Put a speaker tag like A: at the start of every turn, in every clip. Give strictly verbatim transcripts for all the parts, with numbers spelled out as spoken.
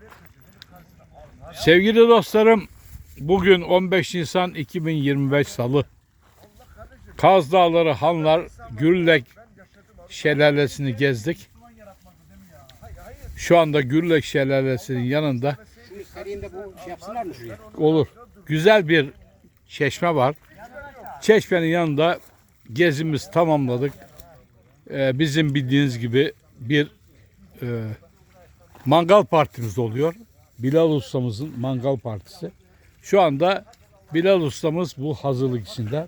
A: Sevgili dostlarım, bugün on beş Nisan iki bin yirmi beş Salı. Kaz Dağları Hanlar Gürlek Şelalesi'ni gezdik. Şu anda Gürlek Şelalesi'nin yanında olur. Güzel bir çeşme var. Çeşmenin yanında gezimiz tamamladık. Ee, bizim bildiğiniz gibi bir e, mangal partimiz oluyor. Bilal ustamızın mangal partisi. Şu anda Bilal ustamız bu hazırlık içinde.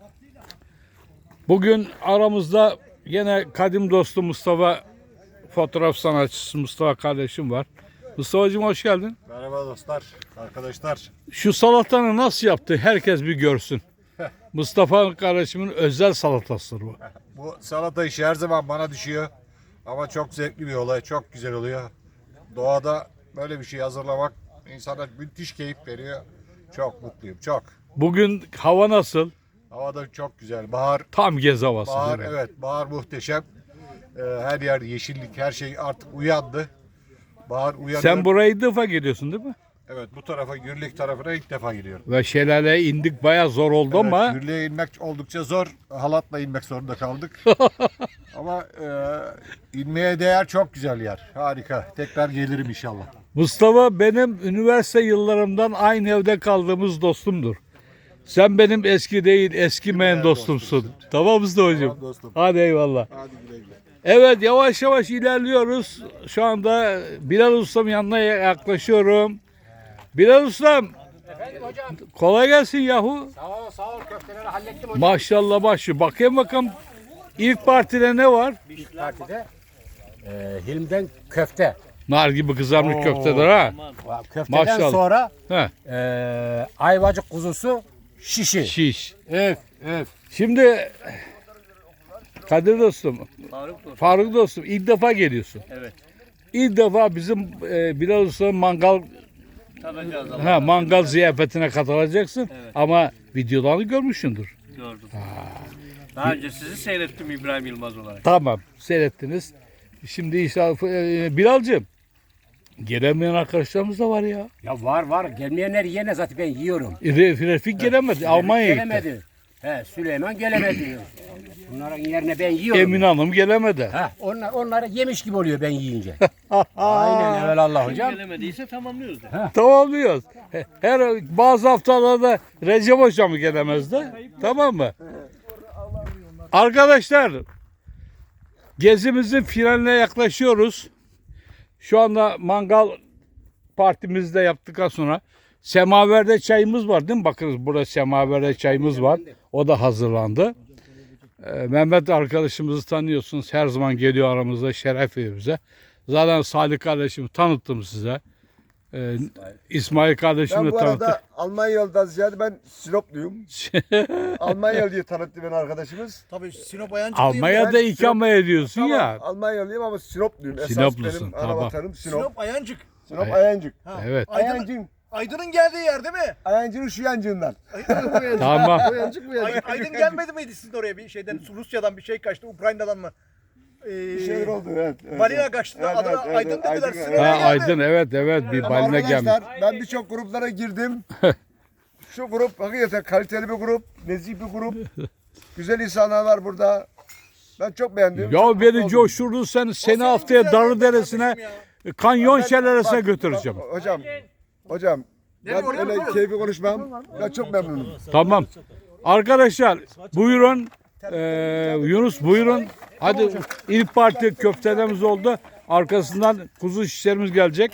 A: Bugün aramızda yine kadim dostum Mustafa, fotoğraf sanatçısı Mustafa kardeşim var. Mustafa'cığım hoş geldin.
B: Merhaba dostlar, arkadaşlar.
A: Şu salatanı nasıl yaptı herkes bir görsün. Mustafa kardeşimin özel salatasıdır bu.
B: Bu salata işi her zaman bana düşüyor. Ama çok zevkli bir olay, çok güzel oluyor. Doğada böyle bir şey hazırlamak insana müthiş keyif veriyor. Çok mutluyum, çok.
A: Bugün hava nasıl?
B: Hava da çok güzel. Bahar,
A: Tam gez havası.
B: bahar
A: değil mi?
B: evet, bahar muhteşem. Ee, her yer yeşillik, her şey artık uyandı. Bahar uyandı.
A: Sen buraya ilk defa geliyorsun değil mi?
B: Evet, bu tarafa, Gürlük tarafına ilk defa gidiyorum.
A: Ve şelaleye indik, bayağı zor oldu
B: Evet,
A: ama
B: Gürlük'e inmek oldukça zor. Halatla inmek zorunda kaldık. Ama e, inmeye değer, çok güzel yer. Harika. Tekrar gelirim inşallah.
A: Mustafa benim üniversite yıllarımdan aynı evde kaldığımız dostumdur. Sen benim eski değil, eskimeyen dostumsun. Tamam Mustafa'cığım?
B: Tamam dostum.
A: Hadi eyvallah.
B: Hadi güle güle.
A: Evet, yavaş yavaş ilerliyoruz. Şu anda Bilal Ustam yanına yaklaşıyorum. Bilal Ustam,
C: Efendim hocam.
A: kolay gelsin yahu.
C: Sağ ol, sağ ol. Köfteleri hallettim hocam.
A: Maşallah başı. Bakayım bakalım ilk partide ne var?
C: İlk partide e, Hilm'den köfte.
A: Nar gibi kızarmış köfteler ha.
C: Köfteden
A: Maşallah.
C: sonra
A: He,
C: e, ayvacık kuzusu şişi.
A: şiş.
C: Evet, evet.
A: Şimdi Kadir dostum,
D: Faruk dostum.
A: Faruk dostum ilk defa geliyorsun.
D: Evet.
A: İlk defa bizim e, Bilal Usta'nın mangal
D: Tadacağız ama
A: ha, mangal ziyafetine katılacaksın.
D: Evet.
A: Ama videolarını görmüşsündür.
D: gördüm. Daha önce sizi seyrettim İbrahim Yılmaz olarak.
A: Tamam, seyrettiniz. Şimdi inşallah e, Bilal'cığım gelemeyen arkadaşlarımız da var ya.
C: Ya var var. Gelmeyenler yine zaten ben yiyorum.
A: E, Re- Refik gelemedi. Almanya'ya gitti.
C: Gelemedi. He, Süleyman gelemedi. Bunların yerine ben yiyorum.
A: Emin Hanım gelemedi.
C: Ha, onlar onları yemiş gibi oluyor ben yiyince. Aynen evelallah hocam.
D: Gelemediyse tamamlıyoruz da.
A: Tamamlıyoruz. Her bazı haftalarda Recep Hocam gelemezdi. Tamam mı? Arkadaşlar gezimizin finaline yaklaşıyoruz. Şu anda mangal partimizde yaptıktan sonra semaverde çayımız var değil mi? Bakınız burada semaverde çayımız var. O da hazırlandı. Ee, Mehmet arkadaşımızı tanıyorsunuz. Her zaman geliyor aramızda, şeref veriyor bize. Zaten Salih kardeşimi tanıttım size. Ee, İsmail kardeşimi
E: Ben
A: de
E: bu
A: tanıttım.
E: arada Almanyalı'dan ziyade ben Sinopluyum. Almanyalı diye tanıttı beni arkadaşımız.
F: Tabii Sinop Ayancıklıyım.
A: Almanya'da
E: Ben
A: ikame ediyorsun
E: Tamam,
A: ya.
E: Almanyalıyım ama Sinopluyum. Esas
A: Sinoplusun,
E: benim
A: tamam.
E: ana vatanım Sinop.
F: Sinop Ayancık.
E: Sinop
A: Ay-
E: Ayancık.
F: Ha.
A: Evet.
F: Aydın,
E: Ayancık.
F: Aydın'ın geldiği yer değil mi?
E: Ayancık'ın şu yancığından.
A: Tamam.
E: Ayancık bu
F: Ay,
E: yancık.
F: Aydın gelmedi miydi sizin oraya bir şeyden? Rusya'dan bir şey kaçtı, Ukrayna'dan mı? Ee,
E: Bir şeyler oldu evet. evet
F: Balina
E: evet.
F: kaçtı.
E: Evet,
F: Adına
E: evet,
F: Aydın
E: evet,
F: dediler.
E: Aydın,
F: Sinop'a
E: evet.
A: Ha,
F: geldi.
A: Aydın evet evet bir
E: Ama
A: baline gelmiş.
E: arkadaşlar ben birçok gruplara girdim. Şu grup hakikaten kaliteli bir grup. Nezih bir grup. Güzel insanlar var burada. Ben çok beğendim.
A: Ya
E: çok mutlu
A: beni
E: oldum.
A: coşturdun sen. Seni haftaya
F: güzel
A: Darıderesi'ne
F: kardeşim ya.
A: kanyon
E: Ben-
A: şelalesine
E: bak,
A: götüreceğim.
E: bak, Hocam. Hocam. Ben
F: oraya
E: öyle
F: mı?
E: keyfi konuşmam. Ben çok memnunum.
A: Tamam. Arkadaşlar buyurun. Ee, Yunus buyurun. Hadi ilk parti köftelerimiz oldu. Arkasından kuzu şişlerimiz gelecek.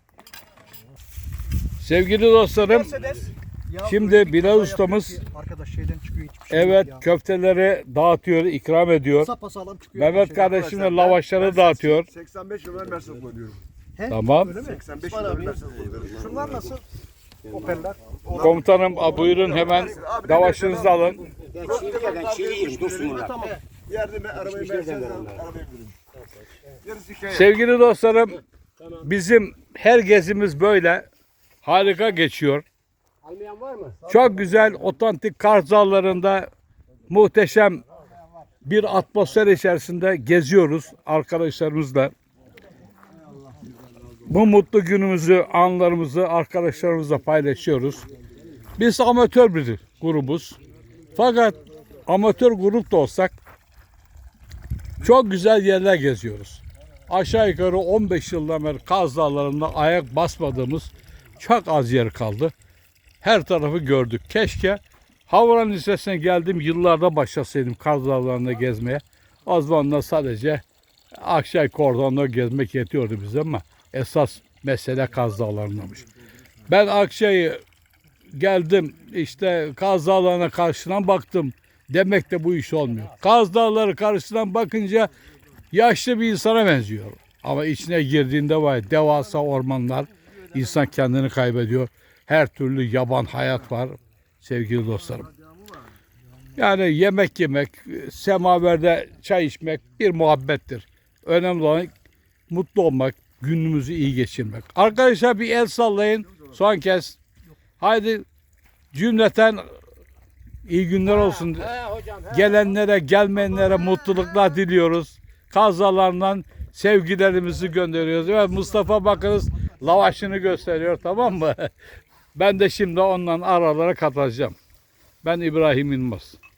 A: Sevgili dostlarım,
F: Mercedes. Ya
A: şimdi
F: böyle bir
A: Bilal
F: kaza
A: ustamız-
F: yapıyor ki Arkadaş şeyden çıkıyor hiçbir şey
A: evet
F: yok ya.
A: köfteleri dağıtıyor, ikram ediyor.
F: Sapasağlam çıkıyor.
A: Mehmet
F: Şey.
A: kardeşim de lavaşları dağıtıyor.
E: seksen beş yıllar Mercedes koyuyorum.
A: Tamam.
E: seksen beş yıllar Mercedes koyuyorum.
F: Şunlar nasıl? Opeller.
A: Komutanım buyurun hemen lavaşınızı alın.
C: Ben çiğ ben çiğ yiyeyim. Dursun bunlar.
E: Yerde ben arabayı Mercedes alıp arabaya bindim. Yarısı hikaye.
A: Sevgili dostlarım, bizim her gezimiz böyle harika geçiyor.
C: Almayan var mı?
A: Çok güzel, otantik Kars Dağları'nda muhteşem bir atmosfer içerisinde geziyoruz arkadaşlarımızla. bu mutlu günümüzü, anlarımızı arkadaşlarımızla paylaşıyoruz. Biz amatör bir grubuz. Fakat amatör grup da olsak çok güzel yerler geziyoruz. Aşağı yukarı on beş yıldan beri Kaz Dağları'nda ayak basmadığımız çok az yer kaldı. Her tarafı gördük. Keşke Havran Lisesi'ne geldiğim yıllarda başlasaydım Kaz Dağları'nda gezmeye. O zaman da sadece Akçay Kordon'da gezmek yetiyordu bize ama esas mesele Kaz Dağları'ndamış. Ben Akçay'ı geldim işte Kaz Dağları'na karşıdan baktım. Demek de bu iş olmuyor. Kaz Dağları karşıdan bakınca yaşlı bir insana benziyor. Ama içine girdiğinde var devasa ormanlar. İnsan kendini kaybediyor. Her türlü yaban hayat var sevgili dostlarım. Yani yemek yemek, semaverde çay içmek bir muhabbettir. Önemli olan mutlu olmak, günümüzü iyi geçirmek. Arkadaşlar bir el sallayın son kez. Haydi cümleten iyi günler olsun. Gelenlere, gelmeyenlere mutluluklar diliyoruz. Kazalarından sevgilerimizi gönderiyoruz. Ve Mustafa bakınız lavaşını gösteriyor, tamam mı? Ben de şimdi ondan aralara katacağım. Ben İbrahim Yılmaz.